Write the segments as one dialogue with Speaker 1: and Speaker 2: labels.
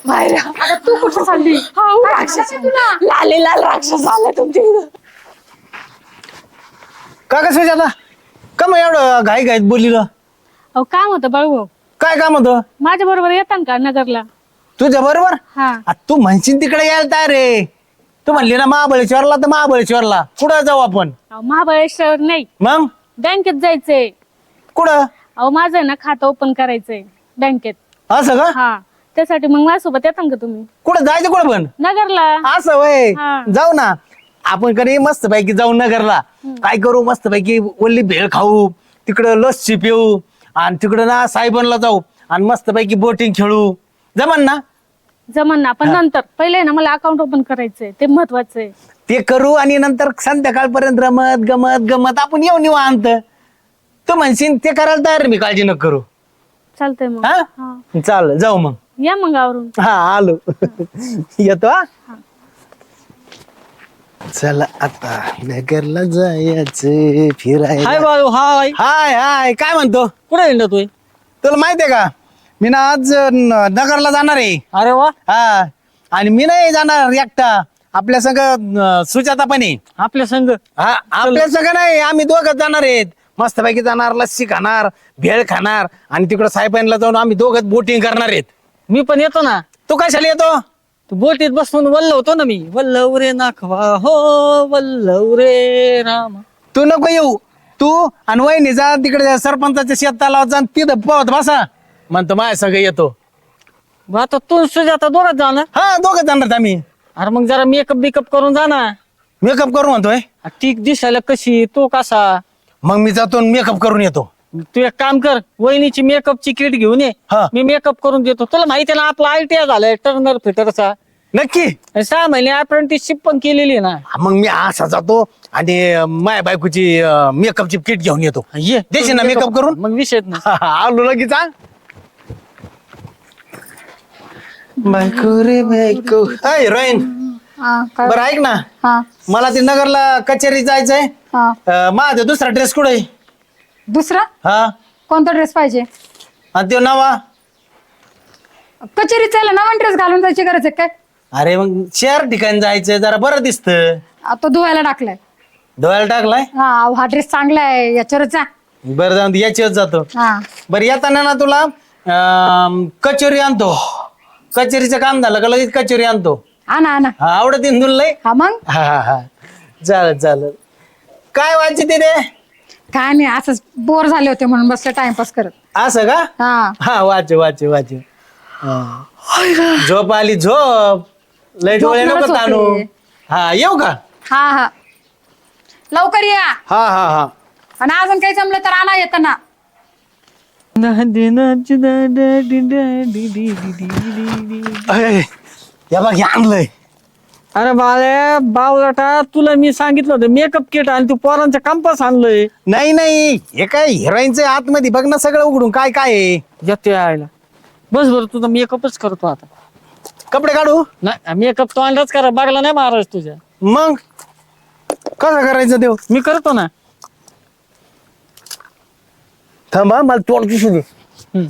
Speaker 1: बाहेर
Speaker 2: अगं तू कुठं चालली?
Speaker 1: राक्षस लाले लाल राक्षस आला तुमच्या इथं.
Speaker 3: का कसं आता का मग एवढं घाई घाईत बोलिलं
Speaker 2: अहो काम होतं बाळू.
Speaker 3: काय काम होतं
Speaker 2: माझ्या बरोबर येतात का नगरला?
Speaker 3: तुझ्या बरोबर
Speaker 2: हा
Speaker 3: तू म्हणशील तिकडे यायला तयार रे. तू म्हणली ना महाबळेश्वरला तर महाबळेश्वरला कुठं जाऊ आपण
Speaker 2: अहो, महाबळेश्वर नाही,
Speaker 3: मग
Speaker 2: बँकेत जायचंय.
Speaker 3: कुठं
Speaker 2: अहो माझं आहे ना खातं ओपन करायचंय बँकेत.
Speaker 3: असं का
Speaker 2: हा त्यासाठी मग माझ्यासोबत येतात का तुम्ही
Speaker 3: कुठं जायचं कुठं पण
Speaker 2: नगरला?
Speaker 3: असं वय
Speaker 2: हा.
Speaker 3: जाऊ ना आपण कधी मस्त पैकी जाऊ नगरला. काय करू मस्त पैकी ओली भेळ खाऊ तिकडं लस्सी पिऊ आणि तिकडं ना सायबनला जाऊ आणि मस्त पैकी बोटिंग खेळू जमन ना.
Speaker 2: जमन ना, पण नंतर पहिले ना मला अकाउंट ओपन करायचंय, ते महत्वाचं आहे.
Speaker 3: ते करू आणि नंतर संध्याकाळपर्यंत रमत गमत गमत आपण येऊ निवांत. तू म्हणशील ते करायला तयार आहे, मी काळजी नको करू.
Speaker 2: चालतंय मग.
Speaker 3: हा
Speaker 2: हा.
Speaker 3: चाल जाऊ मग.
Speaker 2: या मग आवरून.
Speaker 3: हा आलो येतो हा. चला आता नगरला जायचं फिरायला.
Speaker 4: हाय बाळू हाय.
Speaker 3: हाय हाय काय म्हणतो
Speaker 4: कुठे हिंडतोय?
Speaker 3: तुला माहितीये का मी ना आज नगरला जाणार आहे.
Speaker 4: अरे वा,
Speaker 3: हा आणि मी नाही जाणार एकटा आपल्या संग सुजाता पण आहे.
Speaker 4: आपल्या संघ.
Speaker 3: हा आपल्या संग नाही आम्ही दोघं जाणार आहेत. मस्तपैकी जाणार लस्सी खाणार भेळ खाणार आणि तिकडं सायपाईनला जाऊन आम्ही दोघं बोटिंग करणार आहेत.
Speaker 4: मी पण येतो ना.
Speaker 3: तू कशाला येतो
Speaker 4: तू बोटीत बसून वल्लवतो ना मी. वल्लव रे नाखवा हो वल्लव रे राम.
Speaker 3: तू नको येऊ. तू आणि वहिनी जा तिकडे सरपंचाच्या शेताला जा तिथं पोहत बसा म्हणतो माझ्या संग येतो.
Speaker 4: मग आता तू सुजाता दोघात जा ना.
Speaker 3: हा दोघं जाणार आहेत आम्ही.
Speaker 4: अरे मग जरा मेकअप बिकअप करून जा ना.
Speaker 3: मेकअप करू म्हणतोय.
Speaker 4: ती दिसायला कशी तो कसा.
Speaker 3: मग मी जातो मेकअप करून येतो.
Speaker 4: तू एक काम कर, वहिनीची मेकअपची किट घेऊन ये.
Speaker 3: हा.
Speaker 4: मी मेकअप करून देतो. तुला माहिती आहे ना आपला ITI झालाय टर्नर फिटरचा.
Speaker 3: नक्की
Speaker 4: 6 महिने अप्रेंटिसशिप पण केलेली आहे ना.
Speaker 3: मग मी असा जातो आणि माझ्या बायकोची मेकअपची किट घेऊन येतो.
Speaker 4: ये
Speaker 3: देशील ना मेकअप करून?
Speaker 4: मग विषय नाही.
Speaker 3: आलो लगेच हा. बायको रे बायको हिरोईन बरं ऐक ना
Speaker 5: हा
Speaker 3: मला ते नगरला कचेरी जायचंय.
Speaker 5: हा
Speaker 3: माझा दुसरा ड्रेस कुठे आहे?
Speaker 5: दुसरा
Speaker 3: हा
Speaker 5: कोणता ड्रेस पाहिजे?
Speaker 3: आणि तो नवा.
Speaker 5: कचेरीत चालला नवा ड्रेस घालून जायची गरज आहे काय?
Speaker 3: अरे मग शहर ठिकाणी जायचंय जरा बरं दिसत.
Speaker 5: तो धुवायला टाकलाय.
Speaker 3: धुवायला टाकलाय.
Speaker 5: हा ड्रेस चांगला आहे याच्यावरच जा.
Speaker 3: बरं जाऊन याच्यावर जातो.
Speaker 5: हा
Speaker 3: बरं येताना ना तुला कचोरी आणतो. कचेरीचं काम झालं का लगेच कचोरी आणतो.
Speaker 5: आणा आणा.
Speaker 3: हा आवडत इंदून लय.
Speaker 5: हा मग
Speaker 3: हा हा हा चालत चालत. काय वाचते ते रे?
Speaker 5: काय नाही असंच बोर झाले होते म्हणून बसले टाइमपास करत.
Speaker 3: असं का?
Speaker 5: हा
Speaker 3: हा वाचे वाचे वाचे. झोप आली झोप. लय डोळे नको
Speaker 5: झोपणारच
Speaker 3: ताणू.
Speaker 5: होते.
Speaker 3: हा येऊ का?
Speaker 5: हा हा लवकर या.
Speaker 3: हा हा हा
Speaker 5: आणि अजून काही जमलं तर आणा येताना.
Speaker 3: अय, या बघ हे आणलंय.
Speaker 4: अरे बाळे बावलाटा, तुला मी सांगितलं होतं मेकअप किट आणि तू पोरांचं कंपास आणलंय.
Speaker 3: नाही नाही हे काय हिरोईनचं आतमध्ये बघ ना सगळं उघडून काय काय आहे.
Speaker 4: येते यायला. बस बरं तुझा मेकअपच करतो आता.
Speaker 3: कपडे काढू.
Speaker 4: नाही मेकअप तो अंडाच करा, बघला नाही महाराज तुझ्या.
Speaker 3: मग कसं करायचं देव?
Speaker 4: मी करतो ना.
Speaker 3: थांबा मला तोंड दिसू दे.
Speaker 4: हम्म.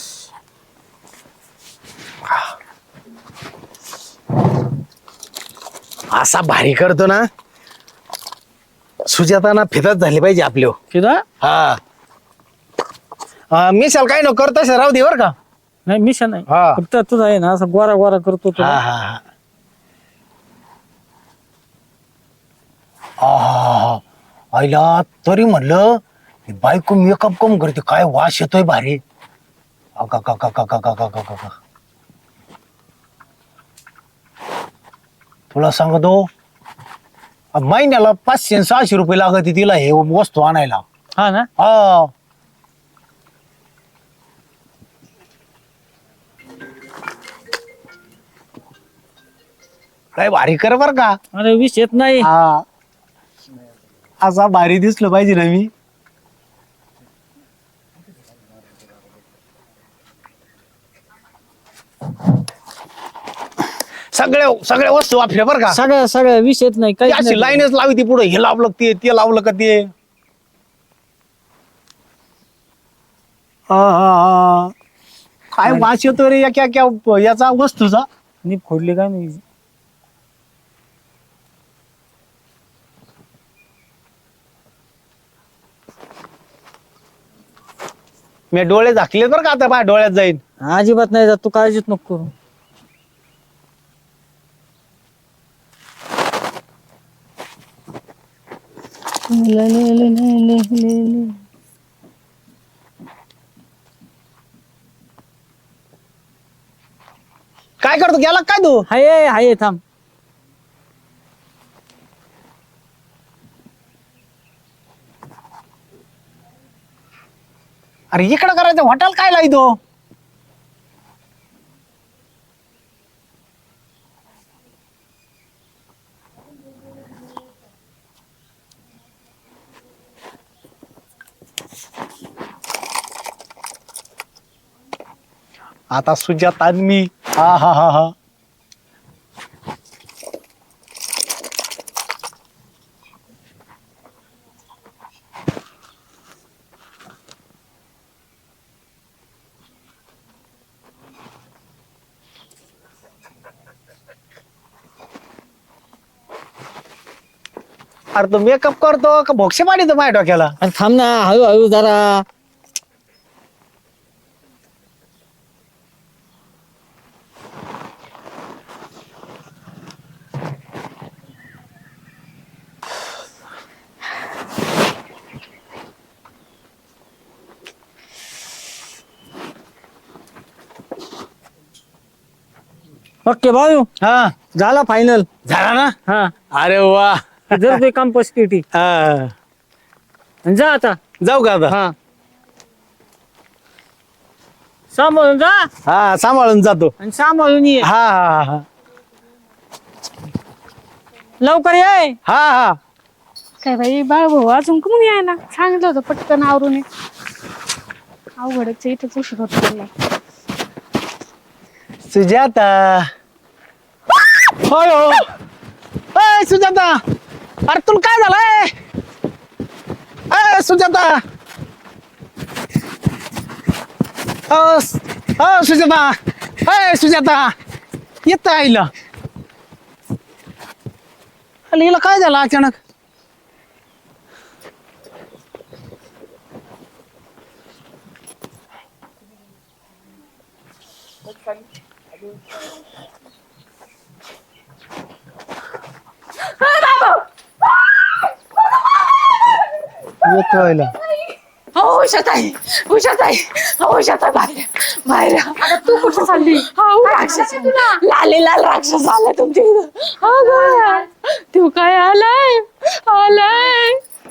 Speaker 3: असा भारी करतो ना सुजाताना फिरत झाली पाहिजे आपल्या.
Speaker 4: किदा
Speaker 3: हा मिशाल काय नको करतो राहू दे बर का.
Speaker 4: नाही मिशन नाही,
Speaker 3: हा.
Speaker 4: फक्त तुझा आहे ना असं गोरा गोरा करतो तो.
Speaker 3: हा हा हा आहा, आईला तरी म्हणलं ही बायको मेकअप कम करते काय वास येतोय भारी. अका का का का का का का का का. तुला सांगतो महिन्याला 500-600 रुपये लागत तिला हे वस्तू आणायला.
Speaker 4: हा ना.
Speaker 3: हा काय भारी कर बर का.
Speaker 4: अरे विष येत नाही.
Speaker 3: हा असा भारी दिसलं पाहिजे ना मी. सगळ्या वस्तू आपल्या बरं का.
Speaker 4: सगळ्या सगळ्या विष येत नाही
Speaker 3: ती
Speaker 4: काही
Speaker 3: अशी लाईनच लावी ती पुढे हे लावलं ते लावलं का ते. हा, हा, हा. काय वास येतो रे याचा वस्तूचा.
Speaker 4: नी फोडली काय मी.
Speaker 3: मी डोळे झाकले बरं का आता माझ्या डोळ्यात जाईन.
Speaker 4: अजिबात नाही जात, तू काळजीच नको करू.
Speaker 3: काय करतो गेला काय तू.
Speaker 4: हाय हाय थांब.
Speaker 3: अरे इकडं करायचं हॉटेल काय लाईतो. आता सुजाता आणि मी. हा हा हा हा. अरे तो मेकअप करतो का भोक्षे पाडीतो माझ्या डोक्याला.
Speaker 4: अरे थांब ना, हळूहळू जरा. ओके भाऊ,
Speaker 3: हा
Speaker 4: झाला फायनल.
Speaker 3: झाला ना.
Speaker 4: हा
Speaker 3: अरे वा.
Speaker 4: जर ते कंपोस्ट किटी
Speaker 3: हा.
Speaker 4: जा आता.
Speaker 3: जाऊ का आता.
Speaker 4: हा सांभाळून जा
Speaker 3: हा सांभाळून जातो.
Speaker 4: आणि सांभाळून ये.
Speaker 3: हा हा हा
Speaker 4: लवकर ये.
Speaker 3: हा हा.
Speaker 2: काय बाई बाळ भाऊ अजून कोण याय ना, सांगितलं होतं पटकन आवरून ये. अवघडच आहे, इथंच उशीर होत चाललाय.
Speaker 3: सुजाता. होय हो. अय सुजाता, अरे तुला काय झालंय. अय सुजाता. सुजाता. अय सुजाता, येत आईला. अरे हिला काय झालं अचानक. येतो आईला.
Speaker 1: उषाताई उषाताई उषाताई बाहेर बाहेर.
Speaker 2: तू कुठं चालली?
Speaker 1: राक्षस लाले लाल राक्षस आला तुमच्या इथं.
Speaker 2: अगं, तू काय आलाय आलाय.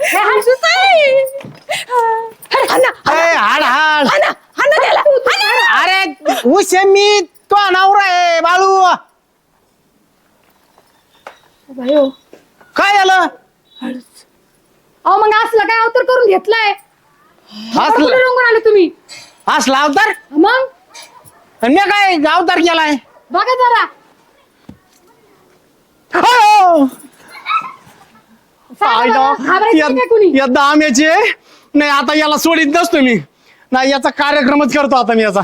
Speaker 3: हाड हाड.
Speaker 1: हाना त्याला हाना.
Speaker 3: अरे उशे मी तो नवरा आहे बाळू.
Speaker 2: बायो
Speaker 3: काय झालं.
Speaker 5: अहो मग असलं काय अवतार करून घेतलाय.
Speaker 3: असलं
Speaker 5: रंगून आले तुम्ही.
Speaker 3: असला अवतार.
Speaker 5: मग
Speaker 3: आणि मी काय अवतार केलाय.
Speaker 5: बघा जरा.
Speaker 3: हो.
Speaker 5: घाबरायचं काय कुणी?
Speaker 3: या दाम्याचे नाही आता याला सोडित नसतो मी. नाही याचा कार्यक्रमच करतो आता मी याचा.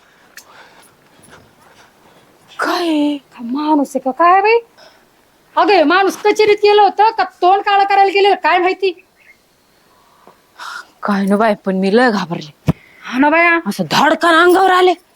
Speaker 5: काय माणूस आहे का काय बाई. अगे माणूस कचेरीत गेलं होतं का तोंड काळं करायला गेलेलं काय माहिती.
Speaker 1: काय ना बाय, पण मी लय घाबरले.
Speaker 5: हा ना बाया.
Speaker 1: असं धडकन अंगावर आले.